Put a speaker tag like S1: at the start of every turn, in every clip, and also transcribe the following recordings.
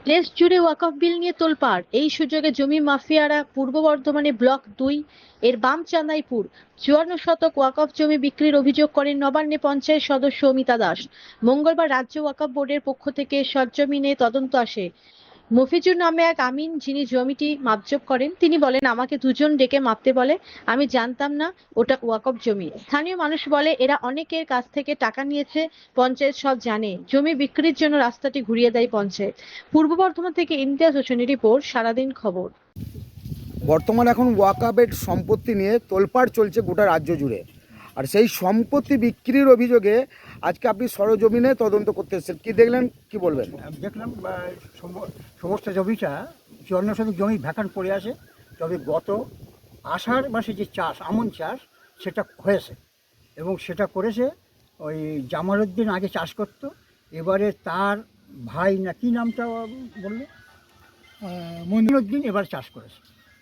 S1: দেশ জুড়ে ওয়াকফ বিল নিয়ে তোলপাড়। এই সুযোগে জমি মাফিয়ারা পূর্ব বর্ধমানে ব্লক 2 এর বামচাঁদাইপুর 54 শতক ওয়াকফ জমি বিক্রির অভিযোগ করেন নবান্নে পঞ্চায়েত সদস্য অমিতা দাস। মঙ্গলবার রাজ্য ওয়াকফ বোর্ডের পক্ষ থেকে সরজমিনে তদন্ত আসে। মফিজুর নামে এক আমিন, যিনি জমিটি মাপজোপ করেন, তিনি বলেন, আমাকে দুজন ডেকে মাপতে বলে, আমি জানতাম না ওটা ওয়াকফ জমি। স্থানীয় মানুষ বলে, এরা অনেকের কাছ থেকে টাকা নিয়েছে, পঞ্চায়েত সব জানে। জমি বিক্রির জন্য রাস্তাটি ঘুরিয়ে দেয় পঞ্চায়েত। পূর্ব বর্ধমান থেকে ইমতিয়াজ হোসেনের রিপোর্ট, সারাদিন খবর।
S2: বর্তমানে এখন ওয়াকাবের সম্পত্তি নিয়ে তোলপাড় চলছে গোটা রাজ্য জুড়ে। আর সেই সম্পত্তি বিক্রির অভিযোগে আজকে আপনি সরজমিনে তদন্ত করতে এসেছেন, কি দেখলেন, কি বলবেন?
S3: দেখলাম সমস্ত জমিটা 54 শতক জমি ভ্যাকান্ট পড়ে আছে। তবে গত আষাঢ় মাসে যে চাষ, আমন চাষ, সেটা হয়েছে এবং সেটা করেছে ওই জামালউদ্দিন। আগে চাষ করত, এবারে তার ভাই না কি নামটা বললো, মনিরুদ্দিন, এবার চাষ করেছে।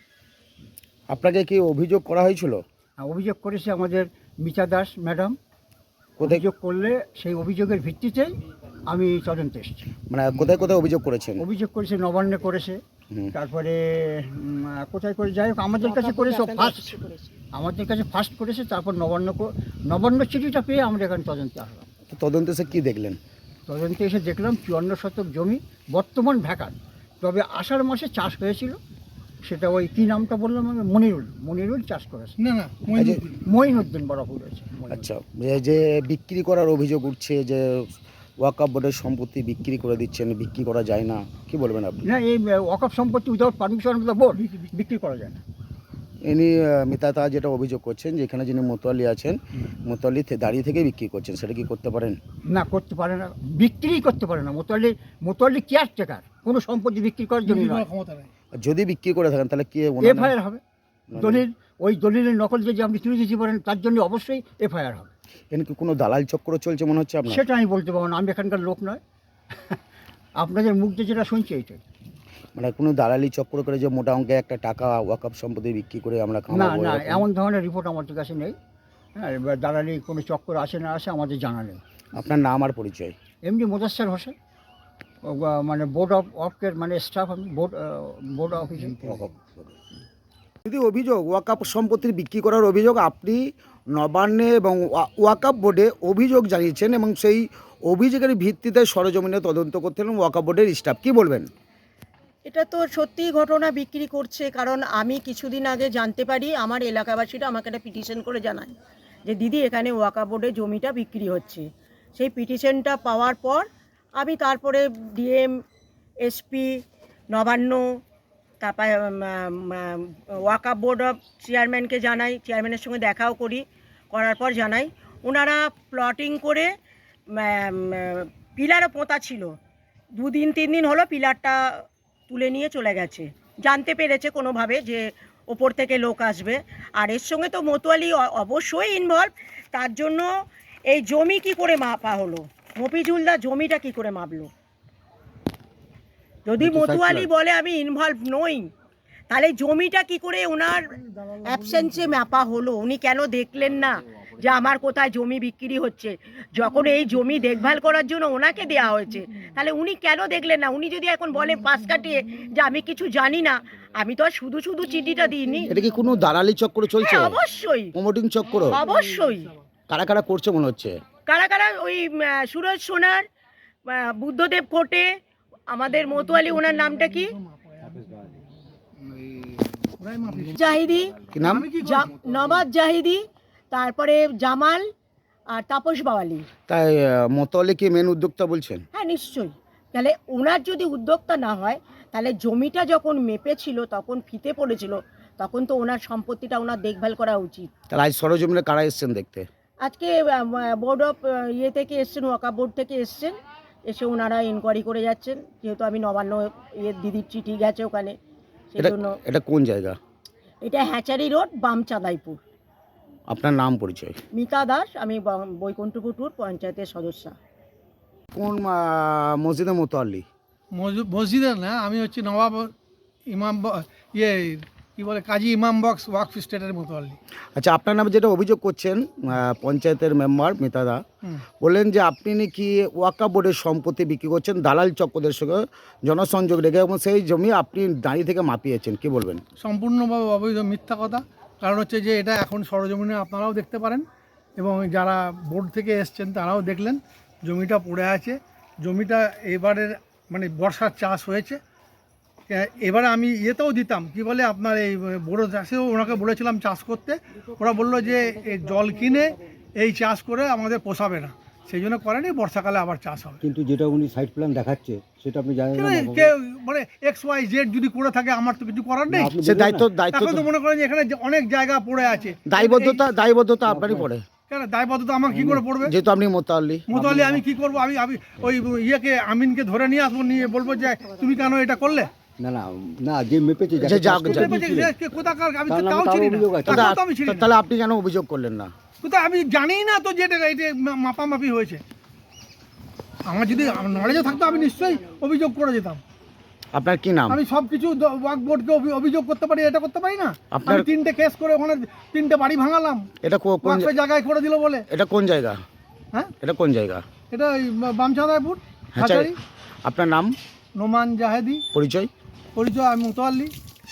S2: আপনাকে কি অভিযোগ করা হয়েছিল?
S3: অভিযোগ করেছে আমাদের মিতা দাস ম্যাডাম।
S2: কোথায়
S3: অভিযোগ করলে সেই অভিযোগের ভিত্তিতেই আমি তদন্তে এসেছি।
S2: মানে কোথায় কোথায় অভিযোগ করেছেন?
S3: অভিযোগ করেছে নবান্নে করেছে, তারপরে কোথায় করে, যাই হোক আমাদের কাছে করেছে ফার্স্ট, আমাদের কাছে ফার্স্ট করেছে, তারপর নবান্ন চিঠিটা পেয়ে আমরা এখানে তদন্তে আসলাম।
S2: তো তদন্তে এসে কি দেখলেন?
S3: তদন্তে এসে দেখলাম 54 শতক জমি বর্তমান ভ্যাকান্ট। তবে আষাঢ় মাসে চাষ হয়েছিল, সেটা ওই কী নামটা বললাম আমি, মনিরুল চাষ করেছে।
S4: না
S3: মঈনুদ্দিন বড় ভুল হয়েছে।
S2: আচ্ছা, যে বিক্রি করার অভিযোগ উঠছে, যে ওয়াকফ বোর্ডের সম্পত্তি বিক্রি করে দিচ্ছেন, বিক্রি করা যায় না, কি বলবেন আপনি?
S3: না, এই ওয়াকফ সম্পত্তি without permission of the board বিক্রি করা যায় না।
S2: ইনি মিতাতা যেটা অভিযোগ করছেন, যেখানে যিনি মোতোয়ালি আছেন, মোতোয়ালি দাঁড়িয়ে থেকে বিক্রি করছেন, সেটা কি করতে পারেন?
S3: না, করতে পারে না, বিক্রিই করতে পারে না। মোতোয়ালি কেয়ারটেকার, কোনো সম্পত্তি বিক্রি করার জন্য নয়।
S4: ক্ষমতা নেই।
S2: যদি বিক্রি করে থাকেন তাহলে কি
S3: এফআইআর হবে। দলিল, ওই দলিলের নকল যদি আপনি তুলে দিতে পারেন, তার জন্য অবশ্যই এফআইআর হবে।
S2: এখানে কি কোনো দালাল চক্র চলছে মনে হচ্ছে আপনার?
S3: সেটা আমি বলতে পারবো না, আমি এখানকার লোক নয়। আপনাদের মুখ দিয়ে যেটা শুনছি এইটাই।
S2: মানে কোনো দালালি চক্র করে যে মোটা অঙ্কে একটা টাকা ওয়াকফ সম্পত্তি বিক্রি করে আমরা
S3: না
S2: কামাবো,
S3: না,
S2: এরকম?
S3: এমন ধরনের রিপোর্ট আমাদের কাছে নেই। হ্যাঁ, এবার দালালি কোনো চক্কর আসে না আসে আমাদের জানা নেই।
S2: আপনার নাম আর পরিচয়?
S3: এমনি মোদাস্সার হোসেন, মানে বোর্ড অফের মানে স্টাফ, আমি বোর্ড অফিসে।
S2: যদি অভিযোগ ওয়াকফ সম্পত্তির বিক্রি করার অভিযোগ, আপনি নবান্নে এবং ওয়াকফ বোর্ডে অভিযোগ জানিয়েছেন এবং সেই অভিযোগের ভিত্তিতে সরজমিনে তদন্ত করতেন ওয়াকফ বোর্ডের স্টাফ, কি বলবেন?
S5: এটা তো সত্যিই ঘটনা, বিক্রি করছে। কারণ আমি কিছুদিন আগে জানতে পারি, আমার এলাকাবাসীরা আমাকে একটা পিটিশন করে জানায় যে দিদি, এখানে ওয়াকফ বোর্ডে জমিটা বিক্রি হচ্ছে। সেই পিটিশনটা পাওয়ার পর আমি তারপরে ডিএম, এসপি, নবান্ন, তারপরে ওয়াকফ বোর্ড অফ চেয়ারম্যানকে জানাই, চেয়ারম্যানের সঙ্গে দেখাও করার পর জানাই, ওনারা প্লটিং করে পিলারও পোঁতা ছিল, 2-3 দিন হলো পিলারটা তুলে নিয়ে চলে গেছে। জানতে পেরেছে কোনোভাবে যে ওপর থেকে লোক আসবে। আর এর সঙ্গে তো মোতোয়ালি অবশ্যই ইনভলভ। তার জন্য এই জমি কি করে মাপা হলো, মফিজুলদা জমিটা কি করে মাপলো? যদি মোতোয়ালি বলে আমি ইনভলভ নই, তাহলে জমিটা কি করে ওনার অ্যাবসেন্সে মাপা হলো? উনি কেন দেখলেন না যে আমার কোথায় জমি বিক্রি হচ্ছে? যখন এই জমি দেখভাল করার জন্য ওনাকে দেওয়া হয়েছে, তাহলে উনি কেন দেখলেন না? উনি যদি এখন বলে পাশ কাটিয়ে যে আমি কিছু জানি না, আমি তো আর শুধু শুধু চিঠিটা দিইনি।
S2: এটা কি কোনো দালালি চক্র চলছে?
S5: হ্যাঁ, অবশ্যই,
S2: প্রমোটিং চক্র?
S5: অবশ্যই।
S2: কারা কারা করছে মনে হচ্ছে?
S5: কারা কারা? ওই সুরজ সোনার, বুদ্ধদেব কোটে, আমাদের মোতোয়ালি, ওনার নামটা কি, জাহিদি,
S2: কি নাম?
S5: নবাব জাহিদি, তারপরে জামাল আর তাপস বাওয়ালি।
S2: তাই মোতোয়ালি কি মেন উদ্যোক্তা বলছেন?
S5: হ্যাঁ, নিশ্চয়ই। তাহলে ওনার যদি উদ্যোক্তা না হয়, তাহলে জমিটা যখন মেপেছিল, তখন ফিতে পড়েছিল, তখন তো ওনার সম্পত্তিটা ওনার দেখভাল করা উচিত।
S2: তাহলে আজ সরজমিনে কারা এসছেন দেখতে?
S5: আজকে বোর্ড অফ থেকে এসছেন, ওয়াকফ বোর্ড থেকে এসছেন, এসে ওনারা ইনকোয়ারি করে যাচ্ছেন। যেহেতু আমি নবান্ন দিদির চিঠি গেছে ওখানে, সেই জন্য।
S2: এটা কোন জায়গা?
S5: এটা হ্যাচারি রোড, বামচাঁদাইপুর।
S2: আপনার নাম পরিচয়?
S5: মিতা দাস, আমি বৈকুণ্ঠপুর পঞ্চায়েতের সদস্য।
S2: কোন মসজিদে মোতোয়ালি?
S4: মসজিদে না, আমি হচ্ছে নবাব ইমাম কি বলে কাজী ইমাম বক্স ওয়াকফ স্টেটের মোতাল্লি।
S2: আচ্ছা, আপনার নামে যেটা অভিযোগ করছেন পঞ্চায়েতের মেম্বার মিতাদা
S4: হুম।
S2: বললেন যে আপনি নাকি ওয়াকাফ বোর্ডের সম্পত্তি বিক্রি করছেন দালাল চক্রদের সঙ্গে জনসংযোগ রেখে, এবং সেই জমি আপনি দাঁড়িয়ে থেকে মাপিয়েছেন, কি বলবেন?
S4: সম্পূর্ণভাবে অবৈধ, মিথ্যা কথা। কারণ হচ্ছে যে এটা এখন সরজমিনে আপনারাও দেখতে পারেন এবং যারা বোর্ড থেকে এসছেন তারাও দেখলেন জমিটা পড়ে আছে। জমিটা এবারের মানে বর্ষার চাষ হয়েছে। এবারে আমি ইয়েতেও দিতাম কি বলে আপনার এই বড় চাষেও ওনাকে বলেছিলাম চাষ করতে, ওরা বললো যে এই জল কিনে এই চাষ করে আমাদের পোষাবে না, সেই জন্য করেনি, বর্ষাকালে আবার চাষ হবে।
S6: কিন্তু যেটা উনি সাইড প্ল্যান দেখাচ্ছে সেটা আপনি জানেন না।
S4: কেউ মানে XYZ যদি করে থাকে আমার তো কিছু করার নেই।
S2: সে দায়িত্ব দায়িত্ব
S4: এখন তো মনে করেন যে এখানে যে অনেক জায়গা পড়ে আছে,
S2: দায়বদ্ধতা আপনারই পড়ে,
S4: কেন দায়বদ্ধতা আমার কি করে পড়বে?
S2: যেহেতু আপনি মোতাল্লি।
S4: মোতালি আমি কি করবো? আমি আমি ওই ইয়েকে আমিনকে ধরে নিয়ে আসবো, নিয়ে বলবো যে তুমি কেন এটা করলে?
S6: না না না, যে মেপেছে
S2: যে
S6: যাকে চাষ
S2: যাক-
S6: করতে
S4: কোথায়
S6: দিয়েছিলেন,
S4: পেয়েছে? কোথাকার? আমি
S6: তার
S4: তো
S6: নামে
S4: তাও
S6: কারো
S4: চিনি না।
S6: অভিযোগ আছে?
S4: তাকেও তো আমি চিনি না।
S2: তাহলে আপনি কেন অভিযোগ করলেন না?
S4: কোথায় আমি জানি না তো যে এটা মাপামাপি হয়েছে। আমার যদি নলেজে থাকতো আমি নিশ্চয়ই অভিযোগ করে যেতাম।
S2: আপনার কি নাম?
S4: আমি সব কিছু ওয়াক বোর্ডকে অভিযোগ করতে পারি, এটা করতে পারি না?
S2: আপনার-
S4: আমি 3টে কেস করে ওখানে 3টে বাড়ি ভাঙালাম
S2: এটা কোন
S4: ওয়াকফের জায়গায় করে দিল বলে।
S2: এটা কোন জায়গা?
S4: হ্যাঁ,
S2: এটা কোন জায়গা?
S4: এটা ওই বামচাঁদাইপুর
S2: হ্যাঁ,
S4: হাজারি।
S2: আপনার নাম,
S4: নোমান জাহেদি
S2: পরিচয়?
S4: পরিচয়, আমি মুতোয়াল্লি।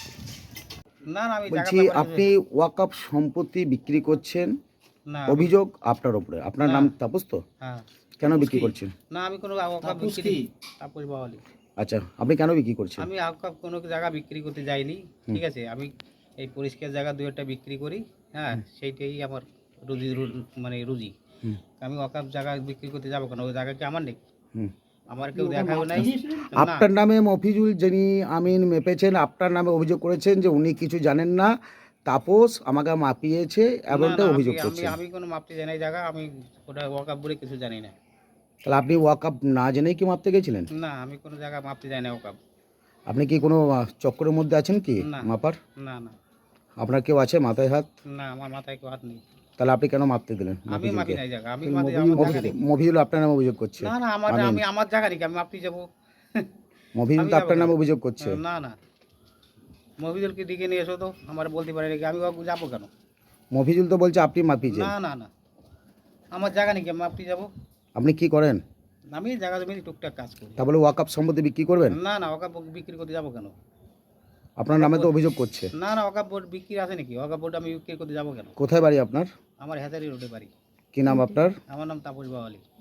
S7: না না আমি
S2: বলছি আপনি ওয়াকাফ সম্পত্তি বিক্রি করছেন,
S7: না
S2: অভিযোগ আপনার উপরে। আপনার নাম তাপস তো?
S7: হ্যাঁ
S2: কেন বিক্রি করছেন?
S7: না আমি কোনো আওকাপ বিক্রি তাপস বাওয়ালি।
S2: আচ্ছা, আপনি কেন বিক্রি করছেন?
S7: আমি আওকাপ কোনো জায়গা বিক্রি করতে যাইনি, ঠিক আছে। আমি এই পরিষ্কার জায়গা 2-1টা বিক্রি করি, হ্যাঁ সেইটাই আমার মানে রুজি।
S2: হুম।
S7: আমি ওয়াকাফ জায়গা বিক্রি করতে যাবো কেন? ওই জায়গা কি আমার নেই?
S2: হুম।
S7: আমার কেউ দেখাও নাই। না
S2: আপনার নামে মফিজুল যিনি আমিন মেপেছেন, আপনার নামে অভিযোগ করেছেন যে উনি কিছু জানেন না, তাপস আমাকে মাপিয়েছে, এমনটা
S7: না,
S2: অভিযোগ
S7: আমি
S2: করছেন।
S7: আমি কোনো মাপতে জানি জায়গা, আমি ওটা ওয়াকাফ বলে কিছু জানি না।
S2: তাহলে আপনি ওয়াকাফ না জেনেই কি মাপতে গেছিলেন?
S7: না আমি কোনো জায়গা মাপতে জানি না ওয়াকাফ।
S2: আপনি কি কোনো চক্করের মধ্যে আছেন কি
S7: না।
S2: মাপার?
S7: না না
S2: আপনার কেউ আছে মাথায় হাত?
S7: না আমার মাথায় কেউ হাত নেই।
S2: তাহলে আপনি কেন মাপতে দিলেন?
S7: আমি মাপি নাই জায়গা, আমি
S6: মফিজুল-
S7: আমার জায়গা নেই।
S2: মফিজুল আপনার নামে অভিযোগ করছে।
S7: না না আমার
S2: আমিন।
S7: আমি আমার জায়গা নাকি আমি মাপতে যাবো?
S2: মফিজুল
S7: আমি
S2: তো আপনার
S7: যাবো
S2: নামে
S7: কেন?
S2: অভিযোগ করছে।
S7: না না মফিজুলকে দিকে নিয়ে এসো তো, আমার বলতে পারে নাকি আমি যাবো কেন?
S2: মফিজুল তো বলছে আপনি মাপিয়েছেন।
S7: না না না আমার জায়গা নাকি আমি মাপতে যাবো?
S2: আপনি কি করেন?
S7: আমি জায়গা জমি টুকটাক কাজ করি।
S2: তা বলে ওয়াকাফ সম্পত্তি বিক্রি করবেন?
S7: না না ওকা বিক্রি করতে যাবো কেন?
S2: আপনার নামে তো অভিযোগ করছে।
S7: না না ওকা বোর্ড বিক্রি আছে নাকি? ওকা বোর্ড আমি বিক্রি করতে যাবো কেন?
S2: কোথায় বাড়ি আপনার?
S7: আমার হেজারি রোডে বাড়ি।
S2: কি নাম আপনার?
S7: আমার নাম তাপস বাওয়ালি।